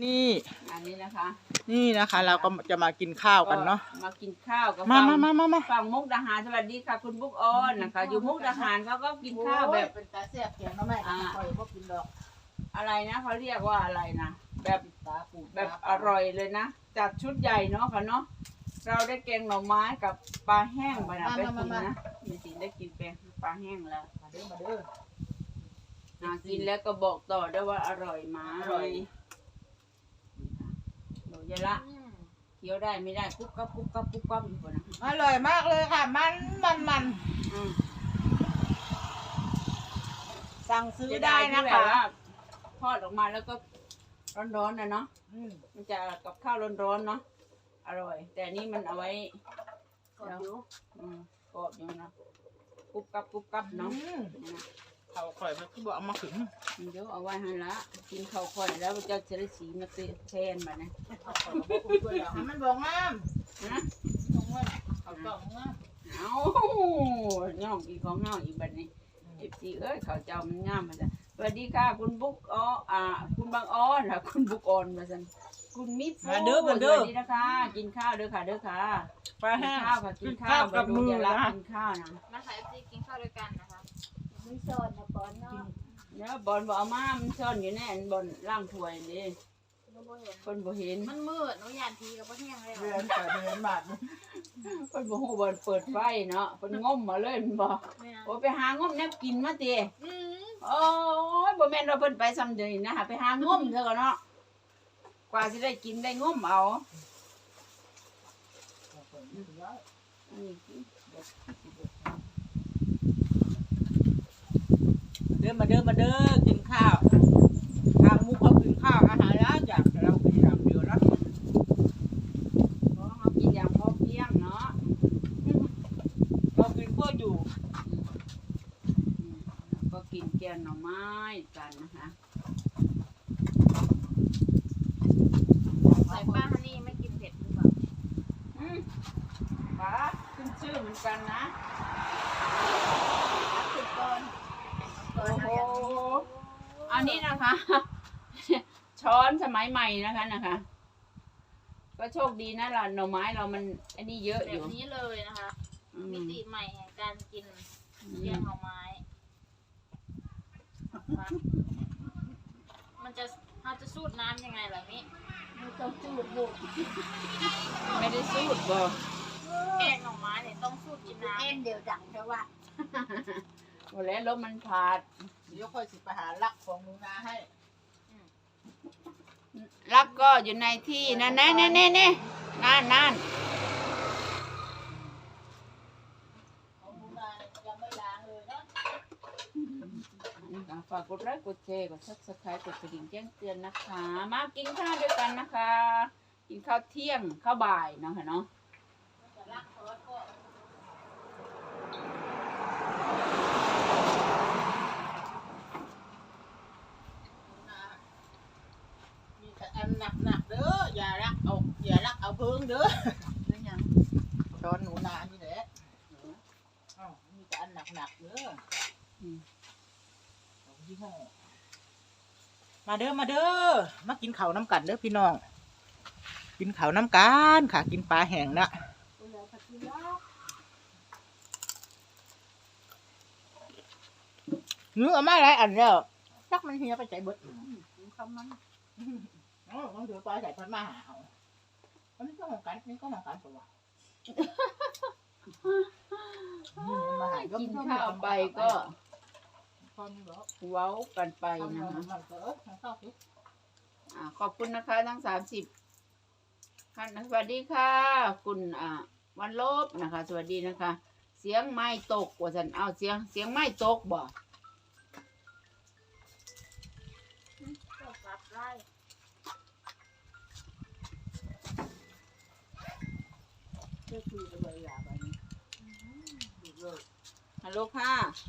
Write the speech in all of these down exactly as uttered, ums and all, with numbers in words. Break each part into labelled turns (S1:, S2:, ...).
S1: นี่
S2: อันนี้นะคะ
S1: นี่นะคะ เราก็จะมากินข้าวกันเนาะ
S2: มากินข้าวกับ
S1: มามามามามา
S2: ฝั่งมุกดาหารสวัสดีค่ะคุณบุ๊กออนนะคะ อยู่มุกดาหารเขาก็กินข้าวแบบ
S3: เป็นตาแซ่บแกงน้ำแม่คอยพวกกินดอก
S2: อะไรนะเขาเรียกว่าอะไรนะแบบ
S3: ตาปู
S2: แบบอร่อยเลยนะจัดชุดใหญ่เนาะค่ะเนาะเราได้แกงหน่อไม้กับปลาแห้งไปนะไปกินนะมีสิได้กินแกงปลาแห้งแล้ว
S3: มาเด้อมาเด้อ
S2: อ่ะกินแล้วก็บอกต่อได้ว่าอร่อยไหมอร่อยหนูยะละเคี้ยวได้ไม่ได้ปุ๊บกับปุ๊บกับปุ๊บกับอยู่บนนะ
S3: อร่อยมากเลยค่ะ มันมันมัน
S2: อืม
S3: สั่งซื้อ
S2: จะ
S3: ได้
S2: ได้
S3: นะ
S2: นะคะ
S3: คะ
S2: ทอดออกมาแล้วก็ร้อนๆนะเนาะ
S3: อืม
S2: มันจะกับข้าวร้อนๆเนาะอร่อย แต่นี่มันเอาไว้
S3: กดอยู่
S2: อืมกรอบอยู่นะปุ๊บกับปุ๊บกับเนาะ
S3: อืม
S2: นี่นะ
S1: เขาข่อยมันก็บอกเอามาขึง
S2: เดี๋ยวเอาไว้ให้ละกินข้าวค่อยแล้วมันจะจะได้สีมาเตะแทนมานะ
S3: ให้มันบอกงาม
S2: ฮะ
S3: บอกงามเขาต้องงาม
S2: เอาย่องอีกของเงาอีกบัดนี้เอฟซีเอ้ยเขาเจ้ามันงามมาจ้ะสวัสดีค่ะคุณบุ๊กอ๋ออ่า คุณบางอ้อนค่ะคุณบุ๊กออนมาสันคุณมิตร
S1: มาเด้อมาเด้อ
S2: สวัสดีนะคะ กินข้าวเด้อค่ะเด้อค่ะ
S1: ปลา
S2: กิ
S1: แห้
S2: น
S1: ง
S2: ข้าวค่ะกินข้าว
S1: กับมือ
S2: อย่ารัก
S1: นะ
S2: กินข้าวนะ
S4: มาค่ะเอฟซีกินข้าวด้วยกันนะคะ
S3: มีโซนนะปอนเนาะ
S2: แล้วบอลบอกเอามามันซ่อนอยู่แน่นบอลล่างถ้วยนี่
S4: หนูบ่เห็น
S2: คนบ่เห็น
S4: มันมืดหนูยานทีกับพ่อแห้งเลย
S3: เดือนแต่เดือนบาท
S2: คนบ่ฮู้บอลเปิดไฟเนาะคนง้มมาเลยมันบอก
S4: แม่
S2: โอ้ไปหางมแนบกินมาติ
S4: อืม
S2: โอ้ยบ่แม่นว่าเพิ่นไปซ้ำเดือนนะฮะไปหางมเถอะเนาะกว่าสิได้กินได้งมเอาอันนี้คือ
S1: เด้อมาเด้อมาเด้อกินข้าวทางมุกเขากินข้าวอาหารแล้วจากเราไปทำเดือนแล้ว
S2: เพราะเขากินอย่างพอเพียงเนาะ
S1: เรากินเพื่ออยู่
S2: อืมแล้วก็กินแกงหน่อไม้กันนะคะ
S4: ใส่ป้าฮันนี่ไม่กินเผ็ดหรือเปล่า
S2: อืมป้าขึ้นชื่อเหมือนกันนะ
S4: สุดก่อน
S2: โอ้โหอันนี้นะคะ ช้อนสมัยใหม่นะคะนะคะ ก็โชคดีนะล่ะหน่อไม้เรามันอันนี้เยอะ
S4: แบ
S2: อยู่
S4: บนี้เลยนะคะ
S2: อืม
S4: มิติใหม่แห่งการกิน
S2: อื
S4: เลี้ยง
S2: ม
S4: หน่อไม้ มันจะเราจะสูดน้ำยังไงล่ะนี่
S3: ไม่ต้องจูดบุก
S2: ไม่ได้สูตรบ่
S4: แกงหน่อไม้เนี่ยต้องสูดกินน้
S3: เอ็นเดียวดังแต่ว่า
S2: หมดแล้วลมมันพาด
S3: เดี๋ยวค่อยสิไปหาลักของหนูนาให้
S2: รักก็อยู่ในที่นั่นแน่แน่แน่แน่นั่นนั่น
S3: ของหนูนายังไม่ล้างเลยนะ
S2: ฝากกดไลค์กดแชร์กดซับสไครต์กดกระดิ่งแจ้งเตือนนะคะ มากินข้าวด้วยกันนะคะ กินข้าวเที่ยงข้าวบ่ายเนาะค่ะเนาะ
S3: จะลักเขาแล้วก็มีแต่อันหนักหนักๆเด้ออย่ารักเอาอย่ารักเอาเพิ่งเด้อ
S2: นั่นยัง
S3: ช้อนหนูนานี่แหละอ้าวมีแต่อันหนักหนักๆเด้อ
S2: อืม
S3: ของยี่ห้อ
S1: มาเด้อมาเด้อมากินข้าวน้ำกันเด้อพี่น้อง กินข้าวน้ำกันค่ะ กินปลาแห้งนะเนื้อมาหลายอันแล้วจักมันเฮียไปใจเบิด
S2: คำมัน
S3: อ๋อต้องถือปลาใส่พันมาหาเอาอันนี้ก็ของกันนี่ก็ของกันตัวมาหา
S2: กินข้าวไปก็
S3: พอนี่บอก
S2: เว้ากันไป
S3: ทำ
S2: นะ
S3: งาน
S2: คะ
S3: มันก็เออทำข้าวสิ
S2: อ่าขอบคุณนะคะทั้งสามสิบท่านนะสวัสดีค่ะ คุณอ่าวันลบนะคะ สวัสดีนะคะ เสียงไม้ตกว่าสันเอาเสียงเสียงไม้ตกบ่
S4: ำก็รับไล่
S3: เชื่อคือเลยอย่าไปนี่ดูเลย
S2: ฮัลโหลค่ะ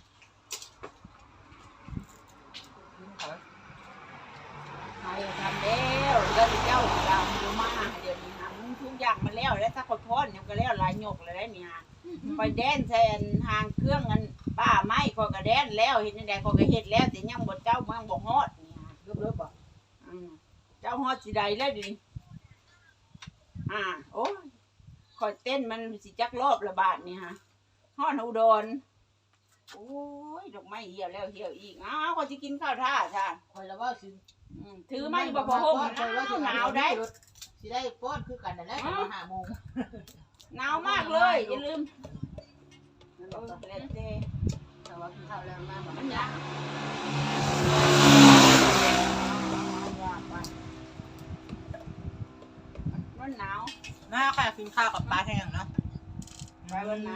S3: กินเขา
S2: ใครทำแล้วแล้วเจ้าดาวอยู่มาเดี๋ยวนี้ฮะมึงทุกอย่างมาแล้วแล้วถ้าขอโทษยังก็แล้วหลายหยกเลยได้เนี่ยไปแดนแทนทางเครื่องกันป้าไม้ขอกระแดนแล้วเห็นยังไงขอกระเฮ็ดแล้วแต่ยังบดเจ้าเมืองบ่ฮอดเนี่ย
S3: เลิกเลิกบอก
S2: อืมเจ้าฮอดสิใดแล้วดิอ่าโอ้ยคอยเต้นมันสิจักรอบละบาทนี่ฮะฮอดอุดรโอ้ยดอกไม้เหี่ยวแล้วเหี่ยวอีกอ้าวก็สิกินข้าวท่าจ้า
S3: คอยละว่าสิ
S2: อืมถือไม้บ่พอห่มหนาวหนาวได้
S3: สิได้ป้อนคือกันนั่นแหละมาห้าโมง
S2: หนาวมากเลยอย่าลืมเออแล้วแต่
S3: แต่ว่ากินข้าวแล้วมาแบบ
S2: มันหนาวมันหนาว
S1: น่าค่ะกินข้าวกับปลาแห้งเนาะ
S2: ไปวันไหน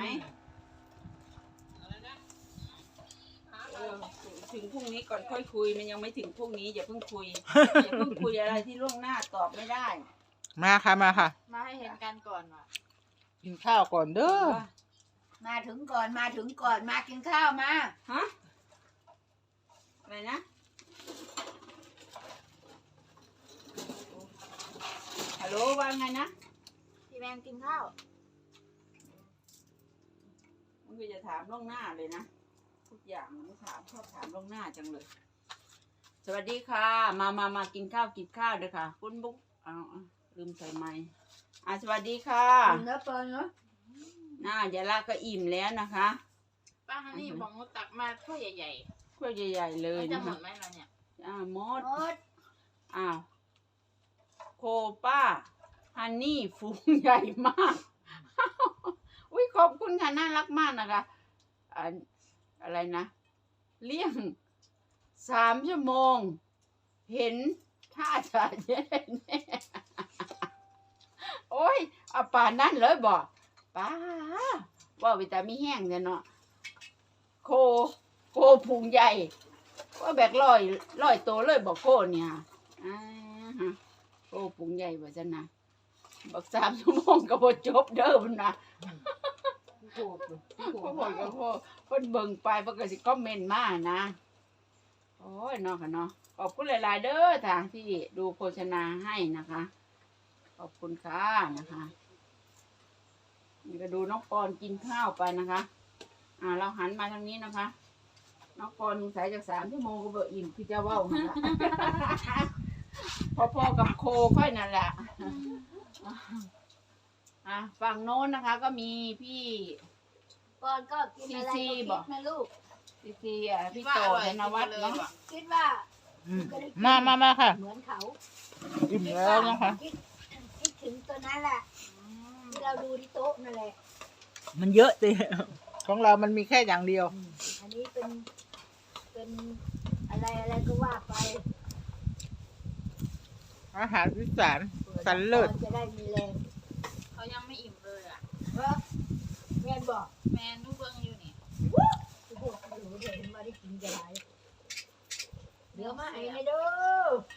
S2: เออถึงพรุ่งนี้ก่อนค่อยคุยมันยังไม่ถึงพรุ่งนี้อย่าเพิ่งคุยอย่าเพิ่งคุยอะไรที่ล่วงหน้าตอบไม่ได้
S1: มาค่ะมาค่ะ
S4: มาให้เห็นกันก่อนว่ะ
S1: กินข้าวก่อนเด้อ
S3: มาถึงก่อนมาถึงก่อนมากินข้าวมา
S2: ฮะอะไรนะฮัลโหลว่าไงนะ
S4: พี่แมนกินข้าว
S2: มันก็จะถามล่วงหน้าเลยนะทุกอย่างมันไม่ถามชอบถามล่วงหน้าจังเลย สวัสดีค่ะ มามามากินข้าวกินข้าวเด้อค่ะ คุณบุ๊กเอาเอาลืมใส่ไม้อ่ะสวัสดีค่ะ
S3: เนื้อเปิลเนาะ
S2: น่ายายละก็อิ่มแล้วนะคะ
S4: ป้าฮันนี่บอกว่าตักมาถ้วยใหญ่
S2: ถ้วยใหญ่ๆ
S4: ๆ
S2: เลย
S4: มันจะ
S2: นะ
S4: หม
S2: คะ
S4: ดไหมเราเนี่ย
S2: อ่าหมด
S3: โอ๊ย
S2: อ้าวโคป้าฮันนี่ฝูงใหญ่มาก อุ้ยขอบคุณค่ะน่ารักมากนะคะอันอะไรนะ เลี้ยงสามชั่วโมง เห็นท่าจะแย่แน่โอ้ยเอาป่านนั่นเลยบอกป้าว่าวิตามีแห้งเนี่ยเนาะโคโคพุงใหญ่ว่าแบกลอยลอยโตเลยบอกโคเนี่ยอ่าฮะโคพุงใหญ่ว่าจะนะบอกสามชั่วโมงก็บ่จบเด้อมันนะ
S3: โอ้โหโอ้โห
S2: พ่อบอกกับพ่อเพิ่นเบิ่งไปเพิ่นก็สิคอมเมนต์มานะโอ้ยเนาะค่ะเนาะขอบคุณหลายๆเด้อทางที่ดูโฆษณาให้นะคะ ขอบคุณค่ะนะคะนี่ก็ดูน้องปอนกินข้าวไปนะคะ อ่า เราหันมาทางนี้นะคะ น้องปอนสงสัยจากสามชั่วโมงก็เบออิ่มคือจะเว้าหั่นล่ะ พอๆกับโคค่อยนั่นแหละ อ่ะฝั่งโน้นนะคะ ก็มีพี่
S3: ก่อนก็กินอะไรก็คิดนะลูก
S2: ซีซีอ่ะพี่โตธนวัฒน์เนาะ
S3: คิดว่า
S1: อืมมามามาค่ะ
S3: เหมือนเขา
S1: อิ่มแล้วนะคะ
S3: คิดคิดถึงตัวนั้นแหละที่เราดูที่โต๊ะนั่นแหละ
S1: มันเยอะสิของเรามันมีแค่อย่างเดียว
S3: อืมอันนี้เป็นเป็นอะไรอะไรก็ว่าไป
S1: อาหารอีสาน
S3: ผื่อ
S1: สันเลิศ
S3: จะได้มีแรง
S4: เขายังไม่อิ่มเลยอ่ะ
S3: เออแม่บอก
S4: แมนดูเบิ้งอยู่นี่
S3: โอ้โหหนูเห็นมาได้กินจะไรเดี๋ยวมาไอ้ไม่ดู